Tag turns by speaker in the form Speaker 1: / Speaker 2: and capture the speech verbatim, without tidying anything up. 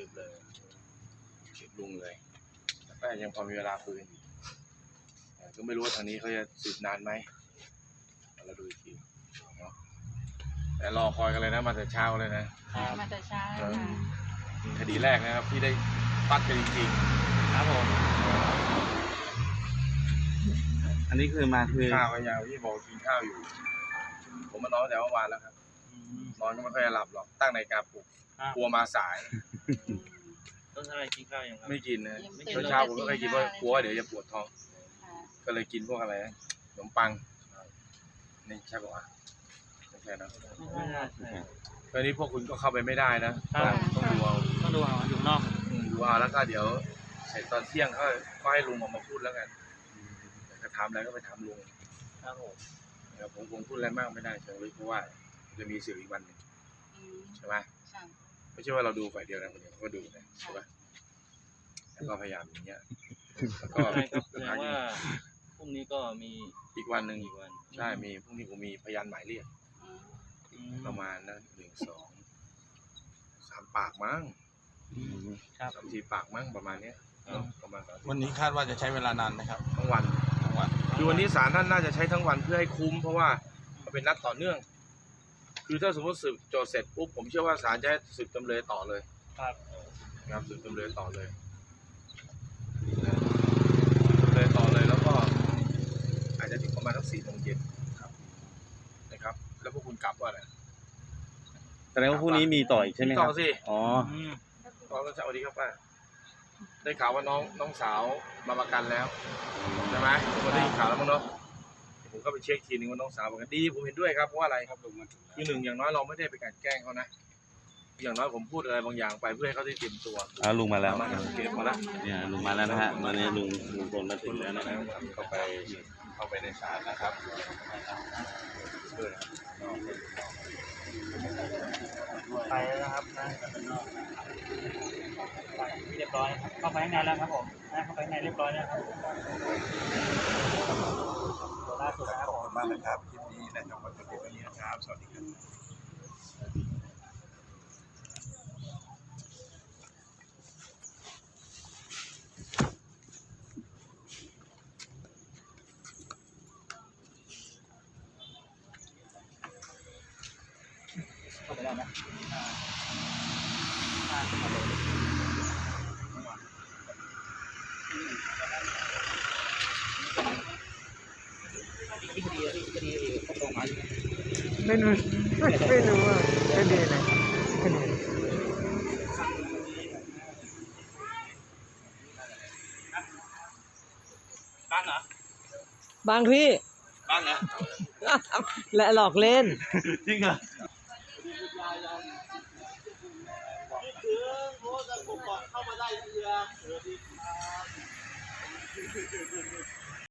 Speaker 1: สืบเลยสืบลุงเลยแต่ยังพอมีเวลาคุยกันอยู่ก็ไม่รู้ว่าทางนี้เขาจะสืบนานไหมเราดูอีกทีเนาะแต่รอคอยกันเลยนะมาแต่เช้าเลยนะ
Speaker 2: มาแต่เช้า
Speaker 1: คดีแรกนะครับที่ได้ฟัดกันจริงๆ
Speaker 3: ครับผมอันนี้คือมาคือ
Speaker 1: ข้าวก็ยาวที่บอกกินข้าวอยู่ผมมานอนแต่เมื่อวานแล้วครับนอนก็ไม่ค่อยหลับหรอกตั้งนาฬิกาปลุกกลัวมาสาย
Speaker 3: ต้นอะไรกินข้าวยัง
Speaker 1: ไม่กินนะเช้าผมก็เคยกินเพราะกลัวเดี๋ยวจะปวดท้องก็เลยกินพวกอะไรขนมปังนี่ใช่ป่ะไม่ใช่นะตอนนี้พวกคุณก็เข้าไปไม่ได้นะต้องดูเอา
Speaker 3: ต้องดูเอาอยู่นอก
Speaker 1: ดูเอาแล้วก็เดี๋ยวเสร็จตอนเที่ยงก็ก็ให้ลุงออกมาพูดแล้วกันจะทำอะไรก็ไปทำลุง
Speaker 3: ครับผม
Speaker 1: ผมคงพูดอะไรมากไม่ได้เชิงลึกเพราะว่าจะมีสื่ออีกวันหนึ่งใช่ไหมไม่ใช่ว่าเราดูฝ่ายเดียวนะคนเดียวก็ดูนะใช่ไหมแล้วก็พยายามอย่างเงี้ยแล้วก็
Speaker 3: แสดงว่าพรุ่งนี้ก็มี
Speaker 1: อีกวันหนึ่งอีกวันใช่มีพรุ่งนี้ผมมีพยานหมายเรียกประมาณนั้นหนึ่งสองสามปากมั้งสามสี่ปากมั้งประมาณเนี้ยประมาณ
Speaker 4: วันนี้คาดว่าจะใช้เวลานานไหมครับ
Speaker 1: ทั้งวันทั้งวันคือวันนี้ศาลท่านน่าจะใช้ทั้งวันเพื่อให้คุ้มเพราะว่ามันเป็นนัดต่อเนื่องคือถ้าสมมติสืบโจทย์เสร็จปุ๊บผมเชื่อว่าศาลจะสืบจำเลยต่อเลย
Speaker 3: ครับ
Speaker 1: ครับสืบจำเลยต่อเลยจำเลยต่อเลยแล้วก็อาจจะถึงประมาณสักสี่โมงเย็นครับนะครับแล้วพวกคุณกลับว่าอะไร
Speaker 3: แสดงว่าพรุ่งนี้มีต่ออีกใช่ไหมครับ
Speaker 1: ต่อสิ
Speaker 3: อ๋อ
Speaker 1: ต่อแล้วสวัสดีครับป้าได้ข่าวว่าน้องน้องสาวมาประกันแล้วใช่ไหมผมได้ข่าวแล้วมั้งเนาะผมก็ไปเช็คทีนึงว่าน้องสาวประกันดีผมเห็นด้วยครับเพราะว่าอะไรครับลุงมันคือหนึ่งอย่างน้อยเราไม่ได้ไปกันแกล้งเขานะอย่างน้อยผมพูดอะไรบางอย่างไปเพื่อให้เขาได้เตรียมตัว
Speaker 3: อ่าลุงมาแล้ว
Speaker 1: มาเก็บมาแล้ว
Speaker 3: เนี่ยลุงมาแล้วนะฮะตอนนี้ลุงลุงพลมาถึงแล้วนะครับ
Speaker 1: เข้าไปเข้าไปในศาลนะครับ
Speaker 3: ไปแล้วนะครับนะไปเรียบร้อยครับเข้าไปข้างในแล้วครับผมเข้าไปข้างในเรียบร้อยแล้วครับล่าสุดนะครับ
Speaker 4: ขอบคุณมากนะครับคลิปนี้นะครับวันจะเป็นวันนี้นะครับสวัสดีครับ
Speaker 3: เข้าไปแล้วนะ
Speaker 2: ไม่รู้ไม่รู้อ่ะคดีอะไรคดี
Speaker 3: บ้านเหรอ
Speaker 2: บ้านพี่
Speaker 3: บ้านเหรอ
Speaker 2: และหลอกเล่น
Speaker 3: จริงเหรอเข้ามาได้เรือ